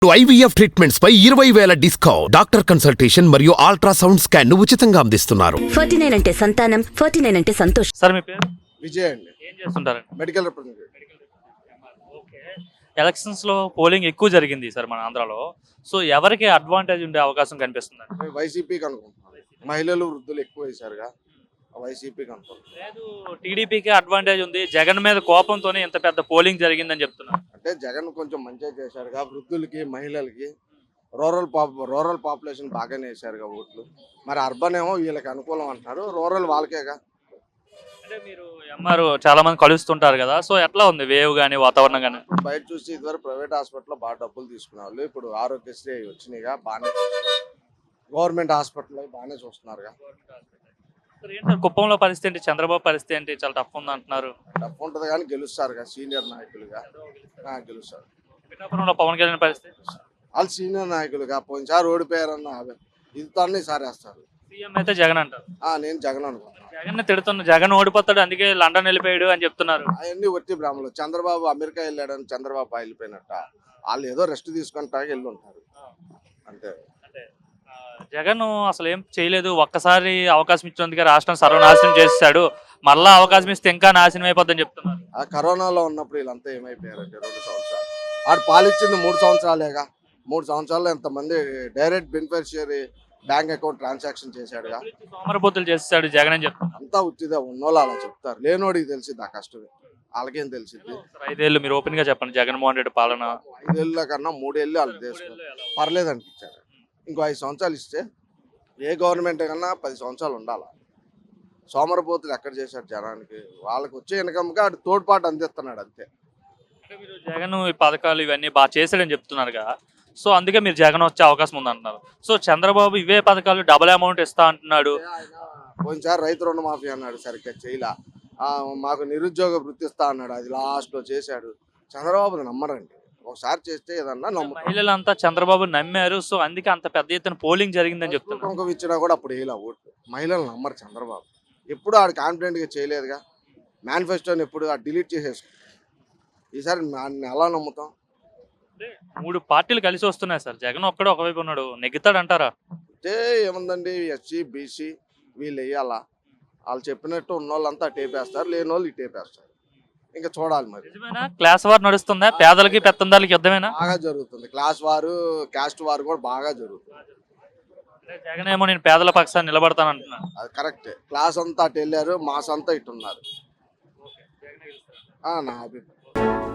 IVF treatments పై 20,000 discount. Doctor consultation మరియు ultrasound scan ను ఉచితంగా అందిస్తున్నారు. 49 అంటే సంతానం, 49 అంటే సంతోషం. సార్ మీ పేరు? విజయ్ అండి. ఏం చేస్తుంటారండి? Medical representative. ఓకే. ఎలక్షన్స్ లో పోలింగ్ ఎక్కువ జరిగింది సార్ మన ఆంధ్రాలో. సో ఎవరికి అడ్వాంటేజ్ ఉండే అవకాశం కనిపిస్తుంది? వైసీపీకి అనుకుంటున్నాను. మహిళలు వృద్ధులు ఎక్కువ వేశారుగా, వైసీపీకి అనుకుంటున్నాను. లేదు, టీడీపీకి అడ్వాంటేజ్ ఉంది. జగన్ మీద కోపంతోనే ఇంత పెద్ద పోలింగ్ జరిగిందని చెప్తున్నారు. అంటే జగన్ కొంచెం మంచిగా చేశారుగా, వృద్ధులకి మహిళలకి. రూరల్ పాపులేషన్ బాగానే వేశారుగా ఓట్లు. మరి అర్బన్ ఏమో వీళ్ళకి అనుకూలం అంటున్నారు, రూరల్ వాళ్ళకేగా. అంటే మీరు ఎంఆర్ చాలా మంది కలుస్తుంటారు కదా, సో ఎట్లా ఉంది వేవ్ కానీ వాతావరణం కానీ? బయట చూసి ఇదివరకు ప్రైవేట్ హాస్పిటల్లో బాగా డబ్బులు తీసుకునే వాళ్ళు, ఇప్పుడు ఆరోగ్యశ్రీ వచ్చినాయిగా, బాగానే గవర్నమెంట్ హాస్పిటల్లో బాగానే చూస్తున్నారుగా. సార్ ఏంటి సార్ కుప్పంలో పరిస్థితి ఏంటి? చంద్రబాబు పరిస్థితి ఏంటి? చాలా టఫ్ ఉంది అంటున్నారు. డబ్బు ఉంటుంది కానీ గెలుస్తారుగా, సీనియర్ నాయకులుగా గెలుస్తారు. పిఠాపురంలో పవన్ కళ్యాణ్ పరిస్థితి? వాళ్ళు సీనియర్ నాయకులుగా పోయినసారి ఓడిపోయారన్న ఇదితోనే ఈసారి వేస్తారు. సీఎం అయితే జగన్ అంటారు. నేను జగన్ అనుకుంటున్నాను. జగన్ తిడుతున్నా, జగన్ ఓడిపోతాడు అందుకే లండన్ వెళ్ళిపోయాడు అని చెప్తున్నారు. అవన్నీ వచ్చి బ్రాహ్మణులు. చంద్రబాబు అమెరికా వెళ్ళాడని చంద్రబాబు వెళ్ళిపోయినట్ట, వాళ్ళు ఏదో రెస్ట్ తీసుకుంటా వెళ్ళి ఉంటారు అంతే. జగన్ అసలు ఏం చేయలేదు, ఒక్కసారి అవకాశం ఇచ్చినందుకే రాష్ట్రం సర్వనాశనం చేస్తాడు, మళ్ళా అవకాశం ఇస్తే ఇంకా నాశనం అయిపోద్దని చెప్తున్నారు. ఆ కరోనాలో ఉన్నప్పుడు వీళ్ళంతా ఏమైపోయారంటే 2 సంవత్సరాలు ఆడు పాలిచ్చింది 3 సంవత్సరాలేగా. 3 సంవత్సరాల్లో ఎంతమంది direct beneficiary bank account transaction చేశాడుగా. సోమరపోతులు చేస్తాడు జగన్ అని చెప్తున్నారు. అంతా ఉత్తిదే, ఉన్నోళ్ళు అలా చెప్తారు, లేనోడికి తెలిసింది ఆ కష్టమే, వాళ్ళకేం తెలిసింది. 5 ఏళ్ళు మీరు ఓపెన్ గా చెప్పండి, జగన్మోహన్ రెడ్డి పాలన 5 ఏళ్ళ కన్నా 3 ఏళ్ళు వాళ్ళు చేసుకోవాలి, పర్లేదు అనిపించారు. ఇంకో 5 సంవత్సరాలు ఇస్తే ఏ గవర్నమెంట్ కన్నా 10 సంవత్సరాలు ఉండాలి. సోమరపోతులు ఎక్కడ చేశాడు జనానికి? వాళ్ళకి వచ్చే ఇన్కమ్గా అటు తోడ్పాటు అందిస్తున్నాడు అంతే. మీరు జగన్ ఈ పథకాలు ఇవన్నీ బాగా చేశాడని చెప్తున్నారు కదా, సో అందుకే మీరు జగన్ వచ్చే అవకాశం ఉంది అంటున్నారు. సో చంద్రబాబు ఇవే పథకాలు డబుల్ అమౌంట్ ఇస్తా అంటున్నాడు. పోయినసారి రైతు రుణమాఫీ అన్నాడు, సరిగ్గా చేయలా. మాకు నిరుద్యోగ వృత్తి ఇస్తా అన్నాడు, అది లాస్ట్లో చేశాడు. చంద్రబాబు నమ్మరండి, ఒకసారి చేస్తే ఏదన్నా నమ్ముతారు. మహిళలంతా చంద్రబాబు నమ్మారు, సో అందుకే అంత పెద్ద ఎత్తున పోలింగ్ జరిగిందని చెప్తున్నారు. కుంకుమ ఇచ్చినా కూడా అప్పుడు వేయలే ఓట్లు. మహిళలు నమ్మరు చంద్రబాబు, ఎప్పుడు ఆడు కాన్ఫిడెంట్గా చేయలేదుగా. మేనిఫెస్టోని ఎప్పుడు డిలీట్ చేసేసుకుంటాం. ఈసారి ఎలా నమ్ముతాం? 3 పార్టీలు కలిసి వస్తున్నాయి సార్, జగన్ ఒక్కడే ఒకవైపు ఉన్నాడు, నెగ్గుతాడు అంటారా? అంటే ఏముందండి, ఎస్సీ బీసీ వీళ్ళు వేయాలా, వాళ్ళు చెప్పినట్టు ఉన్న వాళ్ళంతా టేపేస్తారు, లేని వాళ్ళు ఇటేపేస్తారు. ఇంకా చూడాలి మరి. నిజమేనా? క్లాస్ వార్ నడుస్తుందా? పేదలకి పెత్తందారులకి యుద్ధమేనా? బాగా జరుగుతుంది. క్లాస్ వారు, క్యాస్ట్ వారు కూడా బాగా జరుగుతుంది. జగన్ ఏమో నేను పేదల పక్షాన్ని నిలబడతాను అంటున్నాను. అది కరెక్టే. క్లాస్ అంతా అటు వెళ్ళారు, మాస్ అంతా ఇటు ఉన్నారు. నా అభిప్రాయం.